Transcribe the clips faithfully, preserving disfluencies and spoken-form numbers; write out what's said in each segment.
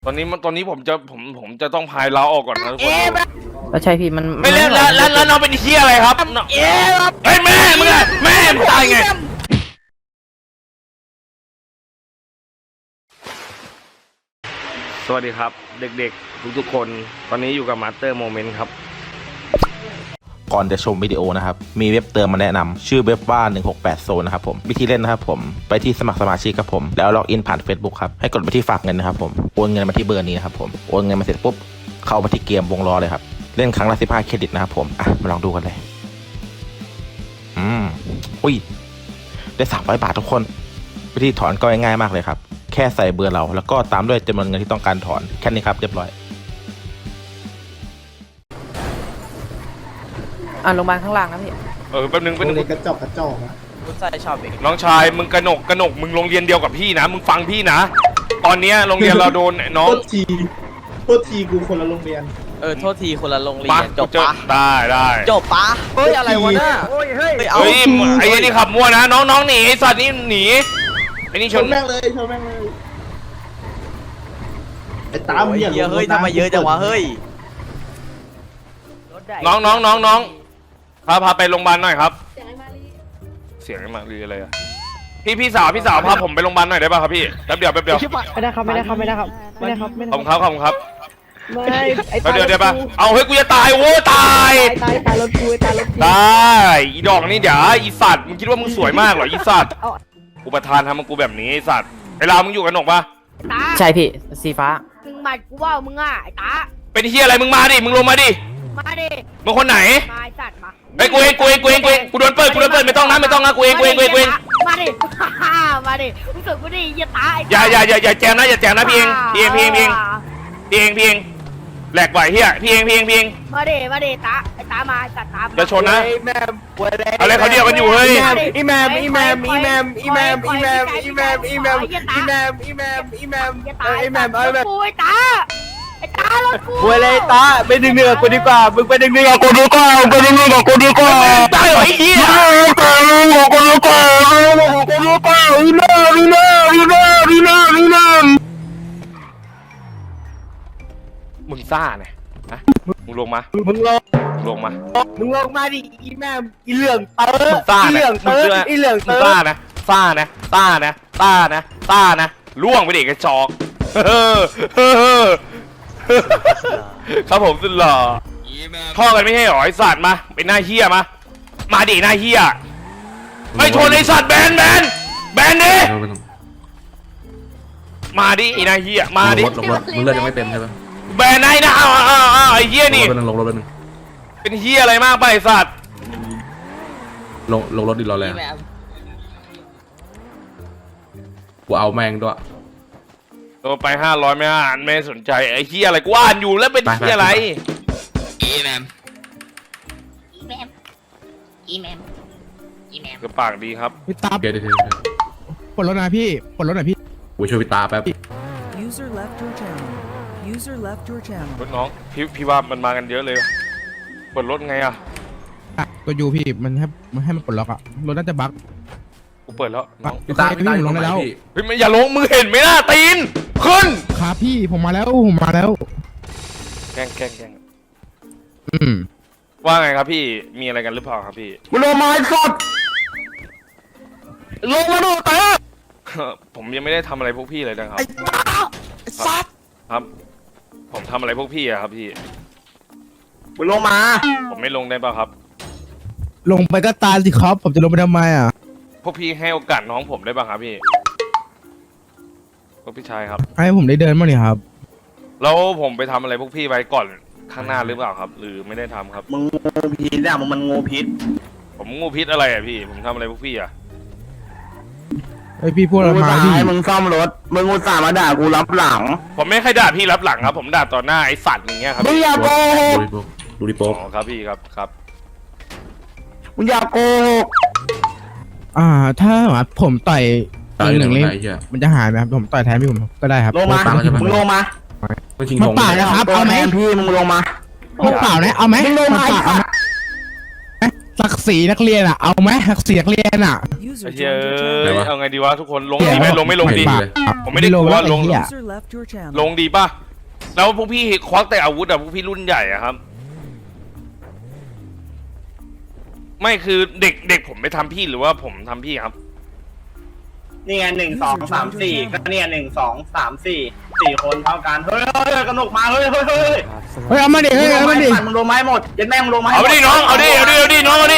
อนนี้มันตอนนี้ผมจะผมผมจะต้องพายเราออกก่อนนะทุกคนแล้วใช่พี่มันไม่เล่นแล้วแล้วแล้วน้องเป็นเฮียอะไรครับเอ๊ะเฮ้ยแม่มึงอะแม่มึงตายไงสวัสดีครับเด็กๆทุกๆคนตอนนี้อยู่กับมาสเตอร์โมเมนต์ครับก่อนจะชมวิดีโอนะครับมีเว็บเติมมาแนะนำชื่อเว็บว่าหนึ่งหกแปดโซนนะครับผมวิธีเล่นนะครับผมไปที่สมัครสมาชิกครับผมแล้วล็อกอินผ่าน Facebook ครับให้กดไปที่ฝากเงินนะครับผมโอนเงินมาที่เบอร์นี้นะครับผมโอนเงินมาเสร็จปุ๊บเข้ามาที่เกมวงล้อเลยครับเล่นครั้งละสิบห้าเครดิตนะครับผมอ่ะมาลองดูกันเลยอืมอุ้ยได้สามร้อยบาททุกคนวิธีถอนก็ง่ายๆมากเลยครับแค่ใส่เบอร์เราแล้วก็ตามด้วยจำนวนเงินที่ต้องการถอนแค่นี้ครับเรียบร้อยอ่ะโรงพยาบาลข้างล่างนะพี่เออแป๊บนึงแป๊บนึงกระจอกกระจอกนะคุณใส่ชอบเองน้องชายมึงกระหนกกระหนกมึงโรงเรียนเดียวกับพี่นะมึงฟังพี่นะตอนเนี้ยโรงเรียนเราโดนน้องโทษทีโทษทีกูคนละโรงเรียนเออโทษทีคนละโรงเรียปะนจบปะได้ได้จบปะเฮ้ยอะไรวะน่ะเฮ้ยเฮ้ยเอาเฮ้ยไอ้นี่ขับมั่วนะน้องน้องหนีไอ้สัตว์นี่หนีไอ้นี่ชชนนแม่งเลยชนแม่งเลยไอ้ตามโอ้ยเนี่ยเยอะเฮ้ยทำไมเยอะจังวะเฮ้ยน้องน้องน้องน้องพาพาไปโรงพยาบาลหน่อยครับเสียงไอ้มาลีอะไรอะพี่พี่สาวพี่สาวพาผมไปโรงพยาบาลหน่อยได้ป่ะครับพี่แป๊บเดียวแป๊บเดียวไม่ได้ครับไม่ได้ครับไม่ได้ครับไม่ได้ครับไม่ขอบคุณครับขอบคุณครับไม่ไอ้แป๊บเดียวเดี๋ยวป่ะเอาเฮ้ยกูจะตายโว้ตายตายตายตายรถกูตายรถกูได้อีดอกนี่เดี๋ยวอีสัตว์มึงคิดว่ามึงสวยมากเหรออีสัตว์กูประธานทำมึงกูแบบนี้ไอ้สัตว์ไอ้ลามึงอยู่กันหนกปะตาใช่พี่สีฟ้ามึงหมัดกูว่ามึงอ่ะไอ้ตาเป็นเฮียอะไรมึงมาดิมึงลงมาดิมาดิมึงคนไหนมาไอ้สัตว์มาไอ้กูเองกูเองกูเองกูเองกูโดนเปิดกูโดนเปิดไม่ต้องนะไม่ต้องนะกูเองกูเองกูเองกูเองมาดิ มาดิมึงสึกกูดิอย่าตายอย่าอย่าอย่าอย่าแจมนะอย่าแจมนะพี่เองพี่เองพี่เองพี่เองพี่เองพี่เองแหลกไหวเฮียพี่เองพี่เองพี่เองมาดิมาดิตาไอ้ตามาไอ้สัตว์ตามจะชนนะอะไรเขาเดียวกันอยู่เฮ้ยอีแมมอีแมมอีแมมอีแมมอีแมมอีแมมอีแมมอีแมมอีแมมอีแมมอย่าเอตาอย อีแมมเออแมมกูไอ้ตาไอ้ตารถกูบวยเลยตาไปดึงเนื้อกูดีกว่ามึงไปดึงเนื้อกูดีกว่าไปดึงเนื้อกูดีกว่าตายเหรอไอ้เหี้ยกูดีกว่ากูดีกว่ากูดีกว่าอีแมมอีแมมอีแมมอีแมมอีแมมมึงซ่าเนี่ยนะมึงลงมามึงลงมึงลงมามึงลงมาดิอีแมมอีเหลืองเตอมึงซ่าอีเหนะลืองเตออีเหลืองมึเตงอซ่านะซ่านะซ่านะซ่านะซ่านะล่วงไปดิกระจอกครับผมสุดหล่อท่อกันไม่ใช่หรอไอสัตว์มาเป็นหน้าเฮียมามาดิหน้าเฮียไม่ชนไอสัตว์แบนแบนแบนดิมาดิไอหน้าเฮียมาดิลงรถมึงเลือดยังไม่เต็มใช่ไหมแบนไอ้นะอ้าวอ้าวอ้าวไอ้เฮียนี่ลงรถไปหนึ่งลงรถไปหนึ่งเป็นเฮียอะไรมากไปไอ้สัตว์ลงลงรถดิรอแรงกูเอาแม่งด้วยตัวไปห้าร้อยไม่อ่านไม่สนใจไอ้เฮียอะไรกูอ่านอยู่แล้วเป็นเฮียอะไรอีแมมอีแมมอีแมมอีแมมกระปากดีครับพี่ตาเดี๋ยวเดี๋ยวเดี๋ยวปลดรถหน่อยพี่ปลดรถหน่อยพี่กูช่วยพี่ตาแป๊บ User left your channel. User left your channel. รถน้องพี่พี่ว่ามันมากันเยอะเลยเปิดรถไงอ่ะอ่ะตัวยูพี่มันให้มันให้มันปลดล็อกอะรถน่าจะบั๊กกูเปิดแล้วน้องพี่ตาพี่ตาอยู่ตรงไหนพี่เฮ้ยมันอย่าลงมือเห็นไหมล่ะตีนขึ้นครับพี่ผมมาแล้วผมมาแล้วแกล้งแกล้งแกล้งอืมว่าไงครับพี่มีอะไรกันหรือเปล่าครับพี่มึงลงมาไอ้สัตว์ลงมาดูเตอผมยังไม่ได้ทำอะไรพวกพี่เลยนะครับไอ้ตาไอ้สัตว์ครับ ผมทำอะไรพวกพี่อะครับพี่มึงลงมาผมไม่ลงได้ป่ะครับลงไปก็ตายสิครับผมจะลงไปทำไมอ่ะพวกพี่ให้โอกาสน้องผมได้ป่ะครับพี่พวกพี่ชายครับให้ผมได้เดินบ้างนี่ครับแล้วผมไปทำอะไรพวกพี่ไว้ก่อนข้างหน้าหรือเปล่าครับ หรือไม่ได้ทำครับมึงงูพิษอ่ะมึงมันงูพิษผมงูพิษอะไรอะพี่ ผมทำอะไรพวกพี่อะไอพี่พูดอะไรมาพี่ให้มึงซ่อมรถมึงอุตส่าห์มาด่ากูรับหลังผมไม่เคยด่าพี่รับหลังครับ ผมด่าต่อหน้าไอ้สัตว์อย่างเงี้ยครับมึงอย่าโกหกดูดิโป๊กอ๋อครับพี่ครับครับมึงอย่าโกหกอ่า ถ้าผมต่อยตายหหนึ่นึ่งงเลเล่ยมไอ้เหี้ยมันจะหายไหมครับผมต่อยแทนพี่ผมก็ได้ครับลงมา มึงลงมาไม่ชิงมาธงเปล่านะครับเอาไหมพี่มึงลงมามาเปล่านะเอาไหมมึงลงมาเปล่าเอาไหมศักดิ์ศรีนักเรียนอ่ะเอาไหมศักดิ์ศรีนักเรียนอ่ะ User ไอ้เหี้ย joined your เอ้ย channel. เอาไงดีวะทุกคนลงดีไหมลงไม่ลงดีปากผมไม่ได้กลัวลงไอ้เหี้ย User left your channel. ลงดีป่ะแล้วพวกพี่ควักแต่อาวุธอะพวกพี่รุ่นใหญ่อะครับ ไม่คือเด็กเด็กผมไม่ทำพี่หรือว่าผมทำพี่ครับนี่ไงหนึ่งสองสามสี่ก็เนี่ยหนึ่งสองสามสี่สี่คนเท่ากันเฮ้ยเฮ้ยกระหนกมาเฮ้ยเฮ้ยเฮ้ยเฮ้ยเอามาดิเฮ้ยเอามาดิมึงลงไม้หมดยันแม่มึงลงไม้เอาไปดิน้องเอาดิเอาดิเอาดิน้องเอาดิ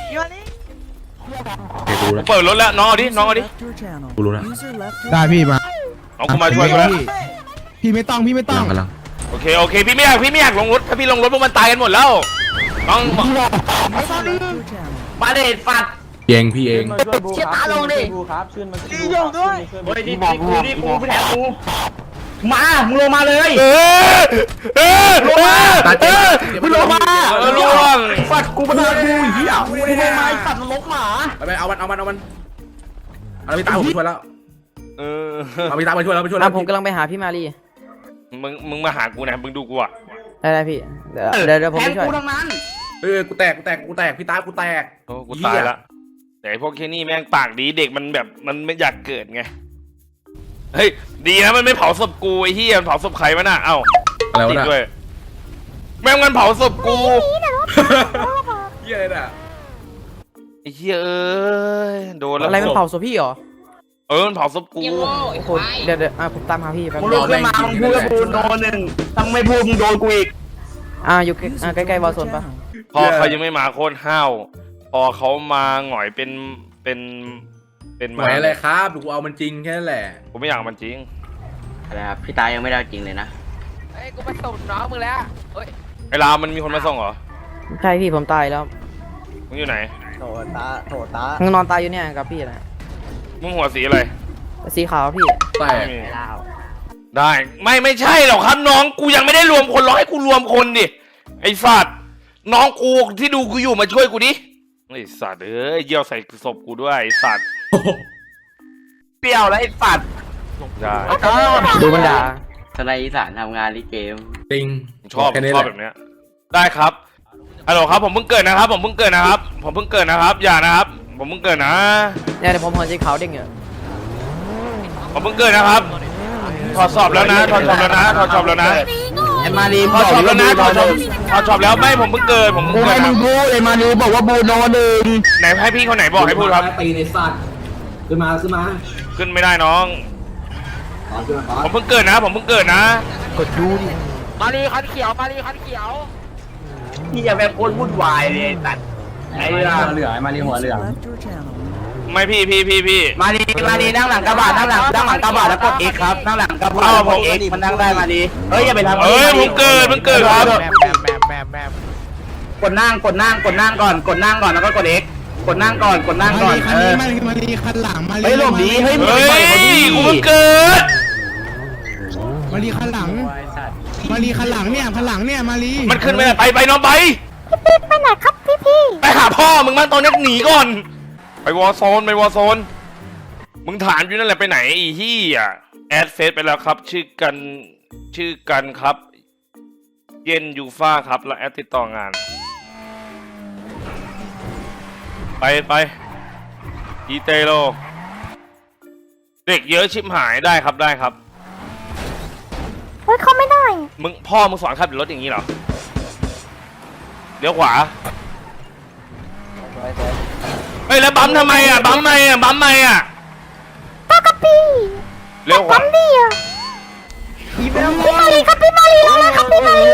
โอเคกูรู้แล้วเปิดรถแล้วน้องเอาดิ User น้องเอาดิ left your channel. กูรู้แล้ว User left your ได้พี่มาน้องกูมาช่วยกูแล้วพี่พี่ไม่ต้องพี่ไม่ต้องกำลังโอเคโอเคพี่ไม่อยากพี่ไม่อยากลงรถถ้าพี่ลงรถพวกมันตายกันหมดแล้วน้อง User left your channel. มาเด็ดปัดเองพี่เองเชี่ยตาลงดิดีโยงด้วยเฮ้ยนี่กูนี่กูพี่แทนกูมามึงลงมาเลยเออเออลงมาตาเจ็เอบ อมึงลงมาเออล่วงปัดกูมาเลยกูเหี้ยกูไม่ได้ไม้ปัดมันลกหมาไปไปเอามันเอามันเอามันเอาพี่ตาผมช่วยแล้วเออเอาพี่ตามาช่วยแล้วไปช่วยแล้อ่ะวผมกำลังไปหาพี่มารีมึงมึงมาหากูนะมึงดูกูอะได้ได้พี่เดี๋ยวเดี๋ยวเดี๋ยวผมแทไปนช่วยกูทั้งนั้นเออกูแตกกูแตกกูแตกพี่ตากูแตกโอ้กูตายละแต่ไอ้พวกแค่นี้แม่งปากดีเด็กมันแบบมันไม่อยากเกิดไงเฮ้ยดีนะมันไม่เผาศพกูไอ้เหี้ยมันเผาศพใครวะน่ะเอ้าอะไรวะติดน่ะด้วยแม่งมันเผาศพกูเฮียอะไรน่ะไอ้เหี้ยเอ้ยโดนแล้วอะไรมันเผาศพพี่เหรอเออมันเผาศพกูโอ้โหเดี๋ยวเดี๋ยวอ่ะผมตามหาพี่แป๊บมึงนึลุงกขึ้นมามึงพูดกับกูโดนหนึ่งถ้ามึงไม่พูดมึงโดนกูอีกอ่ะอยู่ใกล้อ่ะ User ใกล้ joined ๆวอล your โซนปะ channel. พอเขายังไม่มาโคตรห้าวพอเขามาหงอยเป็นเป็นเป็นหมายอะไรครับกูเอามันจริงแค่นั้นแหละผมไม่อยากมันจริงอะไรครับพี่ตายังไม่ได้จริงเลยนะเฮ้ยกูไปส่งน้องมึงแล้วเฮ้ยไอ้รามมันมีคนมาส่งเหรอใช่พี่ผมตายแล้วมึงอยู่ไหนมึงนอนตายอยู่เนี่ยกับพี่นะมึงหัวสีอะไรสีขาวพี่แตกไม่มีได้ไม่ไม่ใช่หรอกครับน้องกูยังไม่ได้รวมคนรอให้กูรวมคนดิไอ้สัตว์น้องกูที่ดูกูอยู่มาช่วยกูดิไอ้สัตว์เอ้ยเยี่ยวใส่ศพกูด้วยไอ้สัตว์เปรี้ยวแล้วไอ้ปัดได้ดูมันด่าทนายอีสานทำงานลิเกมจริงชอบแค่นี้ชแหอบละแบบเนี้ยได้ครับฮัลโหลครับผมเพิ่งเกิดนะครับ ผมเพิ่งเกิดนะครับ ผมเพิ่งเกิดนะครับ อย่านะครับ ผมเพิ่งเกิดนะเนี่ยเดี๋ยวผมหัวสีขาวเด้งอยู่ผมเพิ่งเกิดนะครับถอดสอบแล้วนะถอดสอบแล้วนะถอดสอบแล้วนะไอ้มาดีถอดสอบแล้วนะถอดสอบถอดสอบแล้วไม่ผมเพิ่งเกิดผมเพิ่งเกิดครับไอ้มาดีบอกว่าบูโนหนึ่งไหนให้พี่คนไหนบอกให้พูดครับตีในสัตว์ขึ้นมาขึ้นมาขึ้นไม่ได้น้อง ผมเพิ่งเกิดนะ ผมเพิ่งเกิดนะกดดูดิมารีคันเขียวมารีคันเขียวพี่อย่าแบบคนวุ่นวายเลยไอ้สัตว์ไอ้เรื่องเหลือมาดีหัวเหลื User อง left your channel. ไม่พี่พี่พี่พี่มาดีมาดีนั่งหลังกระบะนั่งหลังนั่งหลังกระบะแล้วกด X ครับนั่งหลังกระบะแล้วกด X มันนั่งได้มาดีเฮ้ยอย่าไปทำเอ้ยผมเกิดผมเกิดครับกดนั่งกดนั่งกดนั่งก่อนกดนั่งก่อนแล้วก็กด X กดนั่งก่อนกดนั่งมาก่อนลีคันเอนี้อมาลีมาลีคันหลังมาลีเฮ้ยหลบดีเฮ้ยมึงเฮ้ปล่อยเขาดียกูเพิ่งเกิดมาลีคันหลังมาลีคันหลังเนี่ยคันหลังเนี่ยมาลีมันขึ้นไม่ได้ไปไปน้องไปพี่ไปไหนครับพี่พี่ไปหาพ่อมึงมาตอนนี้หนีก่อน ไปวอร์โซนไปวอร์โซน มึงถามอยู่นั่นแหละไปไหนอีที่อ่ะแอดเฟซไปแล้วครับ ชื่อกันชื่อกันครับ เย็นยูฟ่าครับแล้วแอดติดต่องาน ไปไปอีเตโลเด็กเยอะชิบหายได้ครับได้ครับเฮ้ยเขาไม่ได้มึงพ่อมึงสอนขับรถอย่างนี้เหรอเลี้ยวขวาเฮ้ยแล้วบัมทำไมอ่ะบัมทำไมอ่ะบัมทำไมอ่ะปกติเลี้ยวขวาทำดีอ่ะพี่มาลีครับพี่มาลีแล้วนะครับพี่มาลี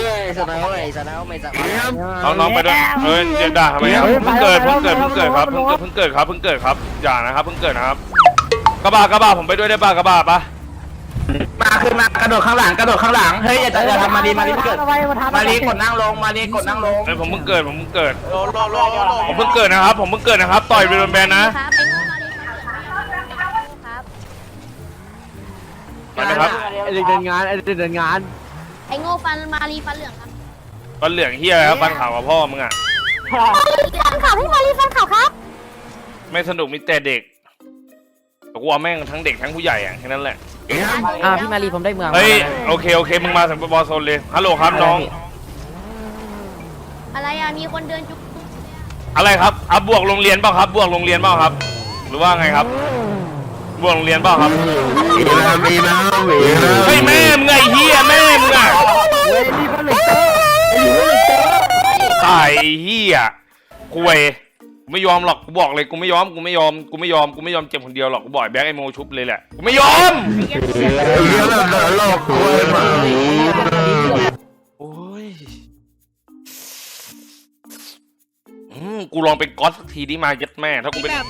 น้องน้องไปด้วยเฮ้ยเดี๋ยวด่าทำไมอ่ะเพิ่งเกิดเพิ่งเกิดเพิ่งเกิดครับเพิ่งเกิดเพิ่งเกิดครับเพิ่งเกิดครับอย่านะครับเพิ่งเกิดนะครับกระบะกระบะผมไปด้วยได้ป่ะกระบะปะมาขึ้นมากระโดดข้างหลังกระโดดข้างหลังเฮ้ยอย่าอย่าทำมาดีมาดีเกิดมาดีกดนั่งลงมาดีกดนั่งลงเฮ้ยผมเพิ่งเกิดผมเพิ่งเกิดผมเพิ่งเกิดนะครับผมเพิ่งเกิดนะครับต่อยไปโดนแบนนะครับไปโง่มาลีครับไปนะครับไอเด็กเดินงานไอเด็กเดินงานไอ้โง่ฟันมาลีฟันเหลืองครับฟันเหลืองเฮียครับฟันขาวกับพ่อมึงอ่ะฟันขาวพี่มาลีฟันขาวครับไม่สนุกมีแต่เด็กแต่กูว่าแม่งทั้งเด็กทั้งผู้ใหญ่อ่ะแค่นั้นแหละอ่าพี่มารีผมได้เมืองเฮ้ยมาแล้วโอเคโอเคมึงมาถึงบอลโซนเลยฮัลโหลครับน้องอะไรอ่ะมีคนเดินจุกอะไรครับอ่ะบวกโรงเรียนเปล่าครับ บวกโรงเรียนเปล่าครับ หรือว่าไงครับ บวกโรงเรียนเปล่าครับเฮ้ยแม่มึงไงเฮียแม่มึงอ่ะตายไอ้เฮียคุยกูไม่ยอมหรอกกูบอกเลยกูไม่ยอมกูไม่ยอมกูไม่ยอมกูไม่ยอมเจ็บคนเดียวหรอกกูบอกไอ้แบงค์ไอโมชุบเลยแหละกูไม่ยอมโอ้ยอืมกูลองเป็นก๊อตสักทีดิมาเย็ดแม่ถ้ากูเป็น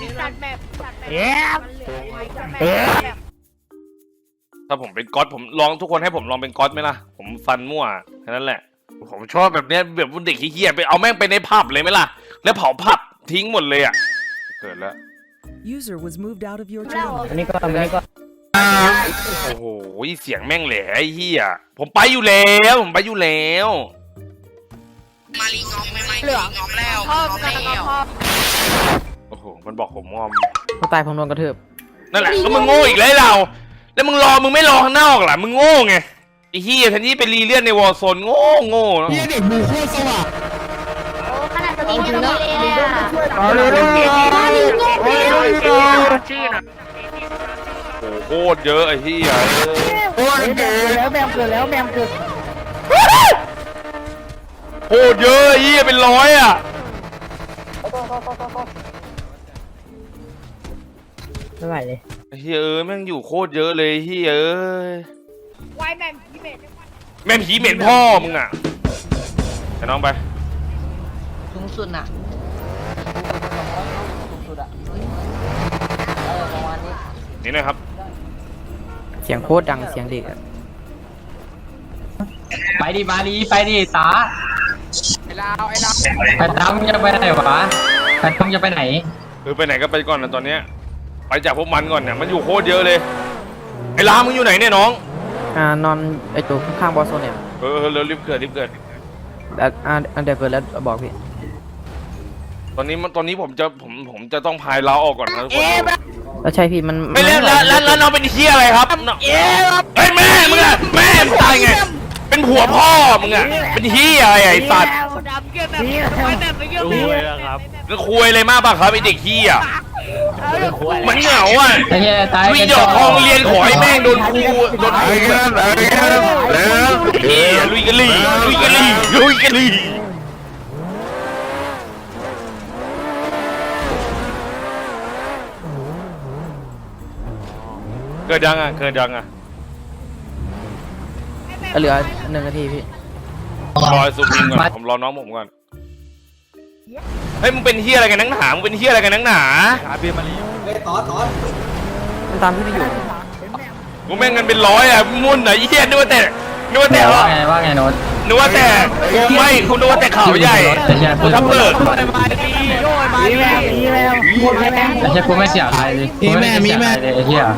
ถ้าผมเป็นก๊อตผมลองทุกคนให้ผมลองเป็นก๊อตไหมล่ะผมฟันมั่วแค่นั้นแหละผมชอบแบบเนี้ยแบบเด็กขี้เกียจไปเอาแม่งไปในผับเลยไหมล่ะแล้วเผาผับทิ้งหมดเลยอ่ะเกิดแล้ว User was moved out of your channel. อันนี้ก็อันนี้ก็โอ้โหเสียงแม่งแหล่ไอ้เหี้ยผมไปอยู่แล้วผมไปอยู่แล้วมาลีงอมไม่ไม่เหลืองอมแล้วงอมแล้วโอ้โหมันบอกผมงอมตายผมโดนกระทืบนั่นแหละก็มึงโง่อีกแล้วเราแล้วมึงรอมึงไม่รอข้างนอกล่ะมึงโง่ไงไอ้เหี้ยแทนที่ไปรีเลื่อนในวอลโซนโง่โง่เนาะเฮียเด็กบูโคตรสว่างขนาดตัวนี้ยังไม่เลยอ่ะเอาเลยเลยโอ้ยโอ้ยโอ้ยโอ้โหโคตรเยอะไอ้เหี้ยโอ้ยเกิดแล้วแมวเกิดแล้วแมวเกิดโคตรเยอะไอ้เหี้ยเป็นร้อยอ่ะไม่ไหวเลยไอ้เหี้ยเอ้ยแม่งอยู่โคตรเยอะเลยไอ้เหี้ยเอ้ยไวแม่พี่เมย์แม่งผีเหม็นพ่อมึงอ่ะไปน้องไปสูงสุดน่ะนี่หนะครับเสียงโคตรดังเสียงเด็กไปดิมาลีไปดิตาไอ้ลาวไอ้ลาวไปตามมึงจะไปไหนวะไปตามจะไปไหนคือไปไหนก็ไปก่อนนะตอนเนี้ยไปจากพวกมันก่อนเนี่ยมันอยู่โคตรเยอะเลยไอ้ลามึงอยู่ไหนเนี่ยน้องอ่านอนไอ้ตัวข้างบอสโซนเนี่ยเออเออเร็วรีบเกิดรีบเกิดแล้วอ่าเดี๋ยวเกิดแล้วบอกพี่ตอนนี้มันตอนนี้ผมจะผมผมจะต้องพายเราออกก่อนนะทุกคนแล้วใช่พี่มันไม่แล้วแล้วแล้วแล้วน้องเป็นเฮียอะไรครับเฮ้ยแม่มึงอะแม่มึงตายไงเป็นผัวพ่อมึงอะเป็นเฮียอะไรไอ้สัตว์ดำเกี่ยวแบบแบบไม่เกี่ยวแบบมึงคุยอะไรมากป่ะครับไอ้เด็กเฮียมันเหงาอ่ะไอ้เหี้ยตายมีดอกทองเรียนขอให้แม่งโดนครูโดนครูเฮียลุยกันลีลุยกันลีลุยกันลีเกิดยังอ่ะเกิดยังอ่ะเหลือหนึ่งนาทีพี่รอซูมิงก่อนผมรอน้องผมก่อนเฮ้ยมึงเป็นเฮียอะไรกันนักหนามึงเป็นเฮียอะไรกันนักหนามันตามพี่ไม่อยู่กูแม่งเงินเป็นร้อยอ่ะมุ่นอ่ะเฮียนึกว่าแต่นึกว่าแต่ว่าไงว่าไงโน้ตนึกว่าแต่ไม่คุณนึกว่าแต่ข่าวใหญ่ไอ้เหี้ยกูถ้าเปิดมีแมวมีแมวมีแมวไอ้เหี้ยกูไม่เสียใครเลยกูไได้เสียใครเลยไอ้เหี้ย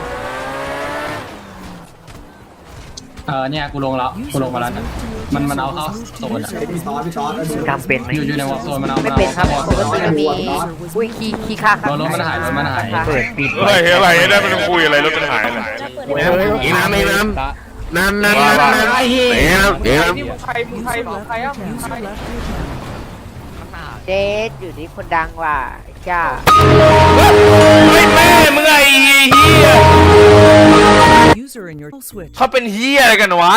เออเนี่ยกูลงแล้วกูลงมาแล้วนะมันมันเอาเข้าโซนอะทำเป็นไหมอยู่อยู่ในวอลโซนมันเอาไม่เป็นครับวอลปกโซตินมันมีอุ้ยขี้ขี้ค่าครับรถมันหายรถมันหายเปิดปิดเฮ้ยอะไรได้มันคุยอะไรรถมันหายเลยอีน้ำอีน้ำน้ำน้ำน้ำน้ำไอ้เหี้ยเดี๋ยวใครมึงใครของใครอ่ะ User left your channel. เจสอยู่ที่คนดังว่ะจ้าเฮ้ยแม่มึงไอ้เฮีย User in your switch. เขาเป็นเฮียอะไรกันวะ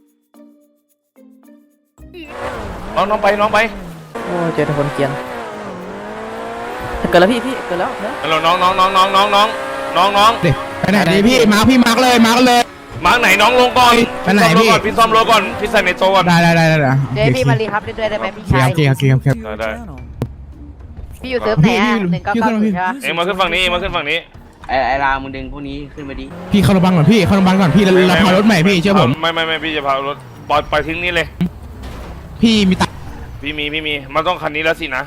น้องน้องไปน้องไปโอ้เจอแต่คนเกรียนเกิดแล้วพี่พี่เกิดแล้วเนอะฮัลโหลน้องน้องน้องน้องน้องน้องน้องน้องเด็กไปไหนดีพี่มาร์คพี่มาร์คเลยมาร์คเลยมาร์กไหนน้องลงก่อนไปไหนพี่พี่ซ่อมรถก่อนพี่ใส่ในโต๊ะก่อนได้ได้ได้ได้เจสพี่มารีครับเล่นด้วยได้ไหมพี่โอชายเคโอเคโอเค To your ได้ channel. พี่อยู่เซิร์ฟไหนอ่ะหนึ่งเก้าเก้าศูนย์ใช่ปะเอ็งมาขึ้นฝั่งนี้เอ็งมาขึ้นฝั่งนี้ไอ้ไอ้รามมึงดึงพวกนี้ขึ้นมาดิพี่เข้าโรงพยาบาลก่อนพี่เข้าโรงพยาบาลก่อนพี่เราเราพารถใหม่พี่เชื่อผมไม่ไม่ไม่พี่จะพารถปล่อยปล่อยทิ้งนี่เลยพี่มีตังพี่มีพี่มีมันต้องคันนี้แล้วสินะ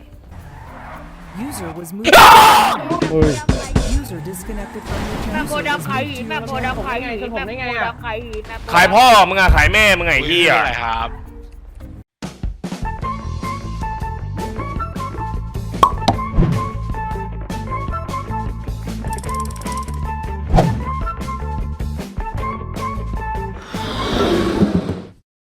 User was moved. User disconnected from your แม่ channel. โคดำขายหินแม่โคดำขายหินแม่โคดำขายหินขายพ่อมึงอะขายแม่มึงไงเฮียครับ